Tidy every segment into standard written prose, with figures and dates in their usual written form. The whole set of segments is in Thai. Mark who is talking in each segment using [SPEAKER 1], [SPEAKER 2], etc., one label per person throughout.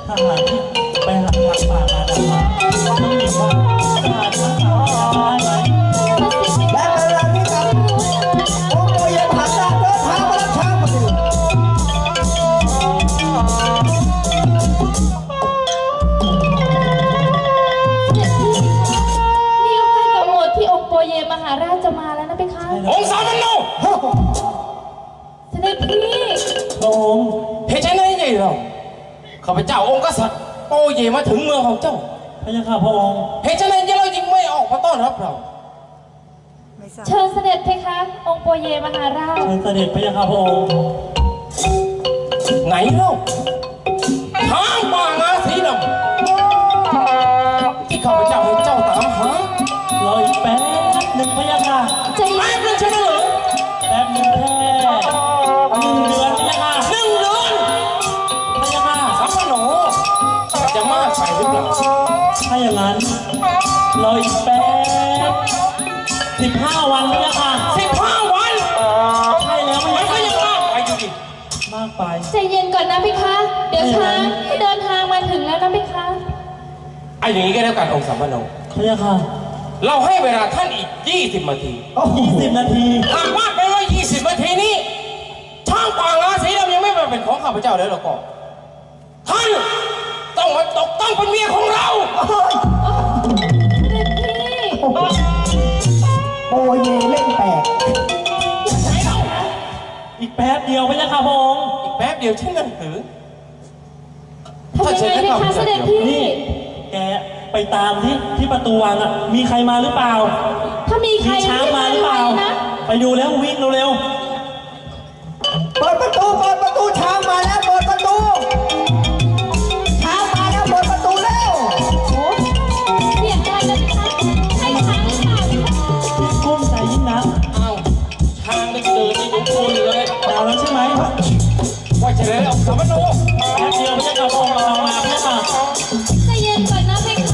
[SPEAKER 1] ทหารที่ไปหาทางป่ามาดำมาต้องมีว่าทหารทั้งสามได้ไหม
[SPEAKER 2] และเวลาที่กับองค์โอเยนหันหน้าเดินทางมารับช้างมาดู
[SPEAKER 3] นี่ก็ใกล้กับโหมดที่องค์โปเยมหาราชจะมาแล้วนะเพคะ
[SPEAKER 4] องค์สามพันโน
[SPEAKER 3] เสด็จพี่
[SPEAKER 1] พระองค์
[SPEAKER 4] เหตุไฉนใหญ่เราข้าพเจ้าองค์กษัตริย์โปเยมาถึงเมืองของเจ้า
[SPEAKER 1] พระยาค่ะพระองค์
[SPEAKER 4] เหตุไฉนเราจึงไม่ออกมาต้อนรับเรา
[SPEAKER 3] เชิญเสด็จเพคะ องค์โปเยมหาราช
[SPEAKER 1] เชิญเสด็จพระยาค่ะพระองค์
[SPEAKER 4] ไหนเล่าทางป่างาสีดำที่ข้าพเจ้าให้เจ้าตามหาร
[SPEAKER 1] ออีกแป๊บหนึ่งพระยาค่ะ
[SPEAKER 3] ใจ
[SPEAKER 4] แป๊บนึงใช่ไหมเหรอ
[SPEAKER 1] แป๊บหนึ่งแค่1 เดือนพระยาค่ะ
[SPEAKER 4] 1 เดือน
[SPEAKER 1] พระยาค่ะ
[SPEAKER 4] สามพันโนจะมากไปหรือเปล่า
[SPEAKER 1] ถ้าอย่างนั้นรออีกแป๊บ15 วันพระยาค่ะ
[SPEAKER 4] 15 วัน
[SPEAKER 1] ใช่แล้วพระ
[SPEAKER 4] มัน
[SPEAKER 1] ยา
[SPEAKER 4] ก็
[SPEAKER 1] ค่ะ
[SPEAKER 4] ยังมากไปอยู่ดิ
[SPEAKER 1] มากไป
[SPEAKER 3] ใจเย็นก่อนนะเพคะ เดี๋ยวช้างเดินทางมาถึงแล้วนะเพคะ
[SPEAKER 4] ไอ้อย่างนี้ก็แล้วกันองค์สามพันโน
[SPEAKER 1] พระยาค่ะ
[SPEAKER 4] เราให้เวลาท่านอีก20 นาที
[SPEAKER 1] 20 นาที
[SPEAKER 4] หากว่าไปว่า20 นาทีนี้ช่างป่างาสีดำยังไม่มาเป็นของข้าพเจ้าแล้วหรอกก็ท่านต้องมาตกต้องเป็นเมียของเรา
[SPEAKER 3] เสด็จพี่
[SPEAKER 2] โอเยเล่นแปลก
[SPEAKER 1] อีกแป๊บเดียวพระยาค่ะพระองค์
[SPEAKER 4] อีกแป๊บเดียวเช่นนั้นหรือ
[SPEAKER 3] ทำยังไงเพคะเสด็จพี่
[SPEAKER 1] นี่แกไปตามที่ประตูวังอ่ะมีใครมาหรือเปล่า
[SPEAKER 3] ถ้ามีใคร
[SPEAKER 1] ช้างมาหรือเปล่า
[SPEAKER 3] นะ
[SPEAKER 1] ไปดูแล้ววิ่งเร็ว
[SPEAKER 2] เปิดประตูช้างมาแล้วเปิดประตูช้างมาแล้วเปิดประตูแล้ว
[SPEAKER 3] โอ้เสียงอะไรนะเพคะใช่ช้างหรือเปล่าเพคะ
[SPEAKER 1] ๆกุ้มใจยิ่งนัก
[SPEAKER 4] อ้าวทางก็เดินในยุคคุณเลย
[SPEAKER 1] เอาแล้วใช่ไหม
[SPEAKER 4] ว่าจะเลยองค์สามพันโน
[SPEAKER 1] แป๊บเดียวพระยาค่ะพระองค์เรามาพระยาค่ะ
[SPEAKER 3] ใจเย็นก่อนนะเพคะ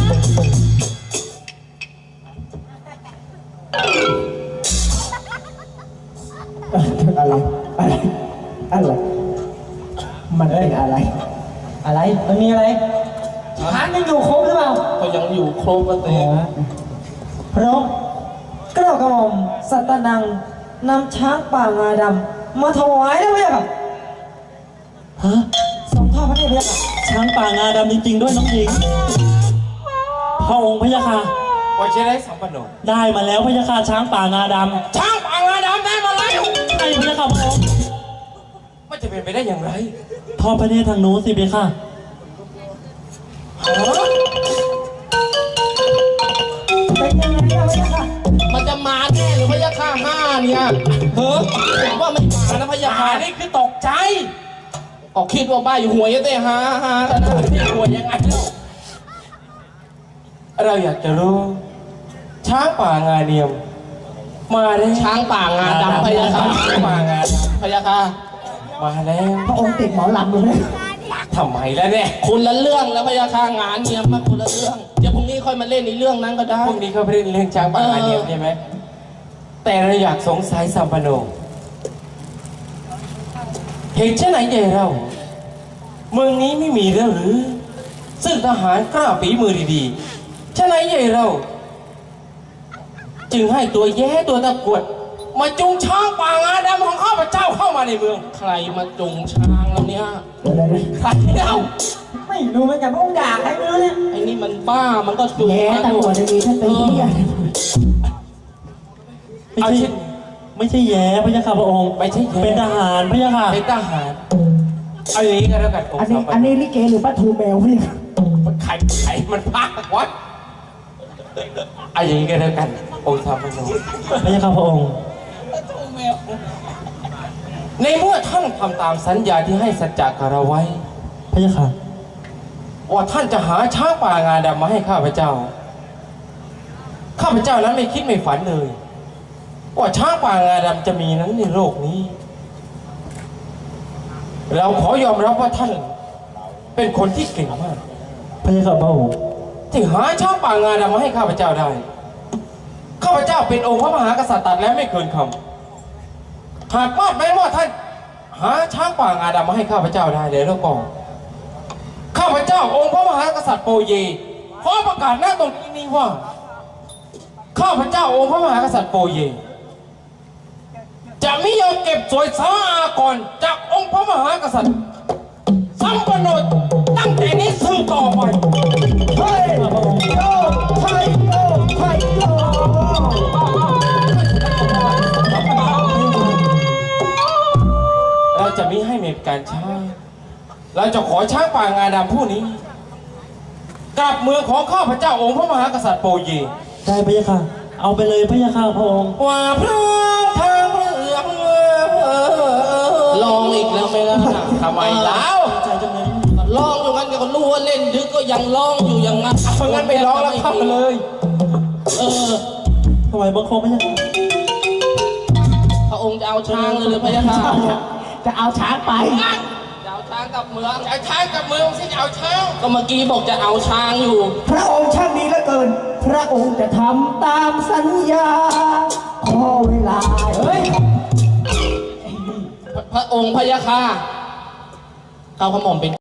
[SPEAKER 2] อะไรมันเป็นอะไร อะไรมันมีอะไรช้างยังอยู่ครบหรือเปล่า
[SPEAKER 4] ก็ยังอยู่โครบกันเตะ
[SPEAKER 2] พระองค์กระหม่อมสัตนังนำช้างป่างาดำมาถวายได้ไหมครับ
[SPEAKER 1] ฮะ
[SPEAKER 2] สมทอดพระเนตรพระยาค่ะ
[SPEAKER 1] ช้างป่างาดำจริงๆด้วยน้องหญิงพระองค์พระยาค่ะ
[SPEAKER 4] ว่าจะได้สามพันโน
[SPEAKER 1] ได้มาแล้วพระยาค่ะช้างป่างาด
[SPEAKER 4] ช่างป่างาดำได้มาแล้ว
[SPEAKER 1] ำใช่พระยาค่ะพระองค์
[SPEAKER 4] มันจะเป็นไปได้อย่างไร
[SPEAKER 1] ทอดพระเนตรทางนู้นสิเพคะ
[SPEAKER 4] ฮะ
[SPEAKER 2] เป็นยังไงอะพระยาค่ะ
[SPEAKER 4] มันจะมาแน่หรือพยาค่า5เนี่ยเฮ้ยผมว่าไม่มานะพยาค่านี่คือตกใจออกคิดว่าบ้าอยู่หัวยเต้ฮาแต่หน้าที่หัวยังไงแล้วเราอยากจะรู้ช้างป่างาเนียมมาแล้วช้างป่างาดำพยาค่าช้างป่างาดำพยาค่ามาแล้ว
[SPEAKER 2] พระองค์ติดหมอลำเลย
[SPEAKER 4] ทำไมแล้วเนี่ยคนละเรื่องแล้วพยาค่างานเนียมมาคนละเรื่องเดี๋ยวพรุ่งนี้ค่อยมาเล่นในเรื่องนั้นก็ได้พรุ่งนี้เขาไปเล่นเรื่องช้างป่างาเนียมใช่ไหมแต่เราอยากสงสัยสัมปโนเหตุเช่นไหนใหญ่เราเมืองนี้ไม่มีแล้วหรือซึ่งทหารกล้าฝีมือดีๆเช่นไหนใหญ่เราจึงให้ตัวแย่ตัวตะกรวดมาจุงช้างป่างาดำของข้าพเจ้าเข้ามาในเมืองใครมาจุงช้างแล้วเนี่ยใครเล่า
[SPEAKER 2] ไม่รู้เหมือนกันพระองค์ด่าใครไม่รู้เนี่ย
[SPEAKER 4] ไอ้นี่มันบ้ามันก็จุง
[SPEAKER 2] แย่ตำรวจจะมีท่านเป็นที่อะไร
[SPEAKER 1] ไม่ใช่แย่พระยาค่ะพระองค์
[SPEAKER 4] ไม่ใช่แย่
[SPEAKER 1] เป็นทหารพระยาค่ะ
[SPEAKER 4] เป็นทหารเอาอย่างนี้ก็แล้วกันอง
[SPEAKER 2] อัน
[SPEAKER 4] ค์
[SPEAKER 2] นี้
[SPEAKER 4] สามป
[SPEAKER 2] อัน
[SPEAKER 4] โน
[SPEAKER 2] นี้ลิเกหรือป้าทูแมวพี่
[SPEAKER 4] ใครมันพากวะเอาอย่างนี้ก็แล้วกันองค์สามปโน
[SPEAKER 1] พระยาค่ะพระองค์
[SPEAKER 4] ในเมื่อท่านทำตามสัญญาที่ให้สัจจะกับเราไว้
[SPEAKER 1] พระยาค่ะ
[SPEAKER 4] ว่าท่านจะหาช้างป่างาดำมาให้ข้าพเจ้า ข้าพเจ้านั้นไม่คิดไม่ฝันเลย ว่าช้างป่างาดำจะมีนั้นในโลกนี้ เราขอยอมรับว่าท่านเป็นคนที่เก่งมาก
[SPEAKER 1] พระยาค่ะพระองค์
[SPEAKER 4] ที่หาช้างป่างาดำมาให้ข้าพเจ้าได้ ข้าพเจ้าเป็นองค์พระมหากษัตริย์ตัดแล้วไม่เกินคำหากว่าแม้ว่าท่านหาช้างป่างาดำมาให้ข้าพเจ้าได้แล้วก็ข้าพเจ้าจ้าองค์พระมหากษัตริย์โปเยขอประกาศหน้าตรงนี้ว่าข้าพเจ้าองค์พระมหากษัตริย์โปเยจะไม่ยอมเก็บสวยสาอากรจากองค์พระมหากษัตริย์สัมปโนตั้งแต่นี้สืบต่อไป
[SPEAKER 2] เฮ้ยโยไทยโยไทยโย
[SPEAKER 4] เราจะไม่ให้มีการช้าเราจะขอช้างป่างาดำผู้นี้กลับเมืองของข้าพเจ้าองค์พระมหากษัตริย์โปเย
[SPEAKER 1] ได้พระยาค่ะ เอาไปเลยพระยาค่ะพระองค์
[SPEAKER 4] ว่าพระทางเรื่องลองอีกแล้วไหมล่ะทำไมแล้ว
[SPEAKER 1] ใจจังเลย
[SPEAKER 4] ร้องอยู่งั้นก็รู้ว่าเล่นดึกก็ยังร้องอยู่อย่างนั้นเพราะงั้นไปร้องแล้วเข้ามาเลย
[SPEAKER 1] ถวายบังคมพระยาค่ะ
[SPEAKER 4] พระองค์จะเอาช้างเลยหรือพระยาค่ะ
[SPEAKER 2] จะเอาช้างไป
[SPEAKER 4] จะเอาช้างกลับเมืองจะเอาช้างกลับเมืองสิจะเอาช้างก็เมื่อกี้บอกจะเอาช้างอยู่
[SPEAKER 2] พระองค์ช่างดีเหลือเกิน พระองค์จะทำตามสัญญา ขอเวลา เฮ้ย
[SPEAKER 4] พระองค์พระยาค่ะเขาขมอมเป็น